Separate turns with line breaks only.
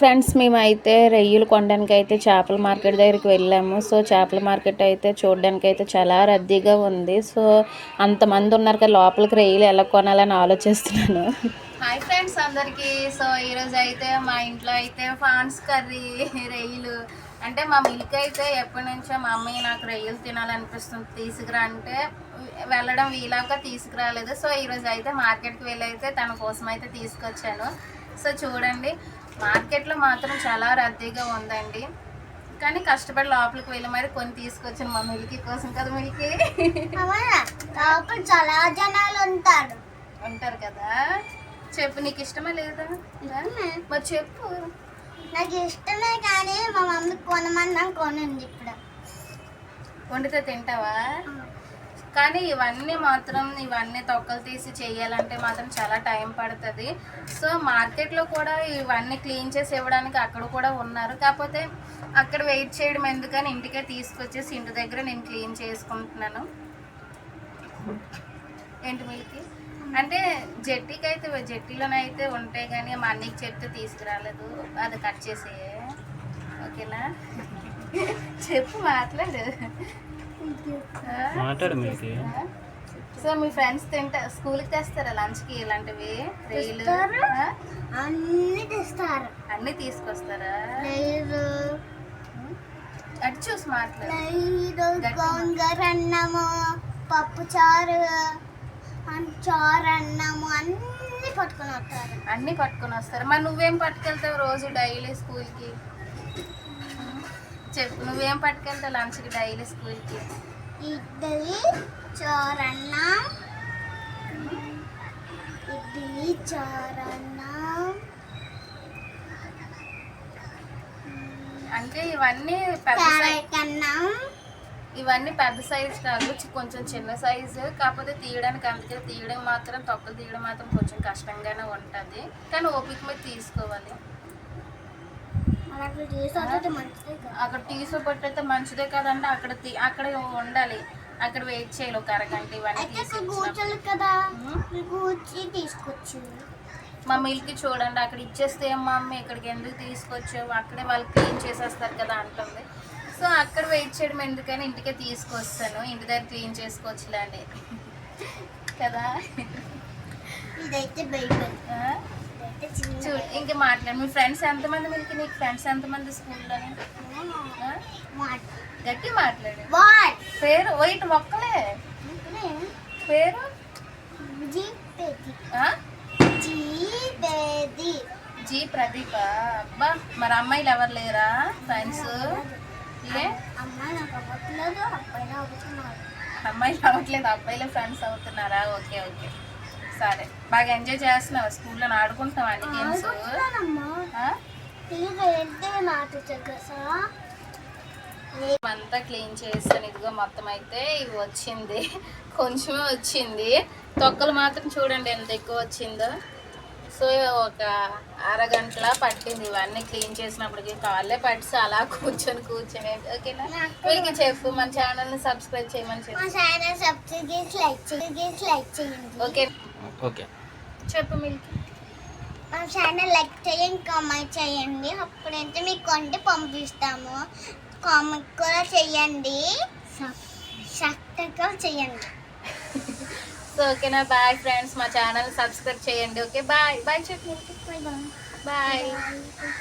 Friends మేమైతే రొయ్యలు కొనడానికి అయితే చేపల మార్కెట్ దగ్గరికి వెళ్ళాము. సో చేపల మార్కెట్ అయితే చూడడానికి అయితే చాలా రద్దీగా ఉంది. సో అంతమంది ఉన్నారు కదా, లోపలికి రొయ్యలు ఎలా కొనాలని ఆలోచిస్తున్నాను. హాయ్ ఫ్రెండ్స్ అందరికీ. సో ఈరోజు అయితే మా ఇంట్లో అయితే ప్రాన్స్ కర్రీ, రొయ్యలు అంటే మా మిల్క్ అయితే ఎప్పటి నుంచో మా అమ్మయ్య నాకు రొయ్యలు తినాలనిపిస్తుంది తీసుకురా అంటే వెళ్ళడం వీలాగా తీసుకురాలేదు. సో ఈరోజు అయితే మార్కెట్కి వెళ్ళి అయితే తన కోసం అయితే తీసుకొచ్చాను. సో చూడండి, మార్కెట్లో మాత్రం చాలా రద్దీగా ఉందండి. కానీ కష్టపడి లోపలికి వెళ్ళి మరి కొన్ని తీసుకొచ్చాను మా మిల్కీ కోసం కదా. మిల్కీ
లోపల చాలా జనాలు ఉంటారు
కదా. చెప్పు, నీకు ఇష్టమే లేదా? మరి చెప్పు.
నాకు ఇష్టమే, కానీ మా మమ్మీ కొనమన్నా కొనండి. ఇప్పుడు
వండితే తింటావా? కానీ ఇవన్నీ తొక్కలు తీసి చేయాలంటే మాత్రం చాలా టైం పడుతుంది. సో మార్కెట్లో కూడా ఇవన్నీ క్లీన్ చేసి ఇవ్వడానికి అక్కడ కూడా ఉన్నారు. కాకపోతే అక్కడ వెయిట్ చేయడం ఎందుకని ఇంటికే తీసుకొచ్చేసి ఇంటి దగ్గర నేను క్లీన్ చేసుకుంటున్నాను. ఏంటి మిల్కి అంటే జట్టీలోనైతే ఉంటాయి, కానీ మా అన్నయ్యకి చెప్తే తీసుకురాలేదు. అది కట్ చేసే, ఓకేనా? చెప్పు, మాట్లాడు. సో మీ ఫ్రెండ్స్ స్కూల్కి తెస్తారా లంచ్కి ఇలాంటివి? రొయ్యలు అన్నీ తీసుకొస్తారా? అటు చూసి మాట్లాడు.
అన్నము, పప్పు చారు, అన్నము అన్నీ
పట్టుకొని వస్తారు. మరి నువ్వేం పట్టుకెళ్తావు రోజు డైలీ స్కూల్కి? చెప్పు, నువ్వేం పట్టుకెళ్తావు లంచ్కి డైలీ స్కూల్కి?
ఇడ్లీ చారన్నం,
అంటే ఇవన్నీ పెద్ద సైజ్ కాదు, కొంచెం చిన్న సైజు. కాకపోతే తీయడం మాత్రం తొక్కలు తీయడం మాత్రం కొంచెం కష్టంగానే ఉంటుంది. కానీ ఓపిక మీద తీసుకోవాలి. అక్కడ తీసుకోబట్టయితే మంచిదే కదండి. అక్కడ ఉండాలి, అక్కడ వెయిట్ చేయాలి ఒక అరగంట. ఇవన్నీ
తీసుకొచ్చు.
మా మిల్కి చూడండి, అక్కడ ఇచ్చేస్తే మా అమ్మ ఇక్కడికి ఎందుకు తీసుకొచ్చావు, అక్కడే వాళ్ళు క్లీన్ చేసేస్తారు కదా అంటుంది. సో అక్కడ వెయిట్ చేయడం ఎందుకని ఇంటికే తీసుకొస్తాను. ఇంటి దగ్గర క్లీన్ చేసుకోవచ్చులేండి కదా.
ఇదైతే
చూడు, ఇంకా మాట్లాడు. మీ ఫ్రెండ్స్ ఎంతమంది మిల్కి? నీకు ఫ్రెండ్స్ ఎంతమంది స్కూల్లో? గట్టి మాట్లాడు. పేరు వైట్ మొక్కలే. పేరు జీ ప్రదీప. అబ్బా, మరి అమ్మాయిలు ఎవరు లేరా ఫ్రెండ్స్? అమ్మాయిలు అవ్వట్లేదు, అబ్బాయిలే ఫ్రెండ్స్ అవుతున్నారా? ఓకే ఓకే, సరే. బాగా ఎంజాయ్ చేస్తున్నావా స్కూల్లో? ఆడుకుంటున్నావా అన్ని గేమ్స్? అంతా క్లీన్ చేస్తాను. ఇదిగో మొత్తం అయితే ఇవి వచ్చింది, కొంచెమే వచ్చింది. తొక్కలు మాత్రం చూడండి ఎంత ఎక్కువ వచ్చిందో. సో ఒక అరగంటలా పట్టింది ఇవన్నీ క్లీన్ చేసినప్పటికి. కాళ్ళే పట్టి అలా కూర్చొని ఓకేనా? వీళ్ళకి చెప్పు, మన ఛానల్ని సబ్స్క్రైబ్ చేయమని చెప్పు. ఓకే ఓకే, చెప్పు మిల్కి.
మన ఛానల్ లైక్ చేయండి, కామెంట్ చేయండి. అప్పుడైతే మీకు కొంటే పంపిస్తాము. కామెంట్ కూడా చేయండి, సబ్స్క్రైబ్ చేయండి.
సో ఓకేనా? బాయ్ ఫ్రెండ్స్, మా ఛానల్ సబ్స్క్రైబ్ చేయండి. ఓకే, బాయ్ బాయ్ చెప్పు. బాయ్.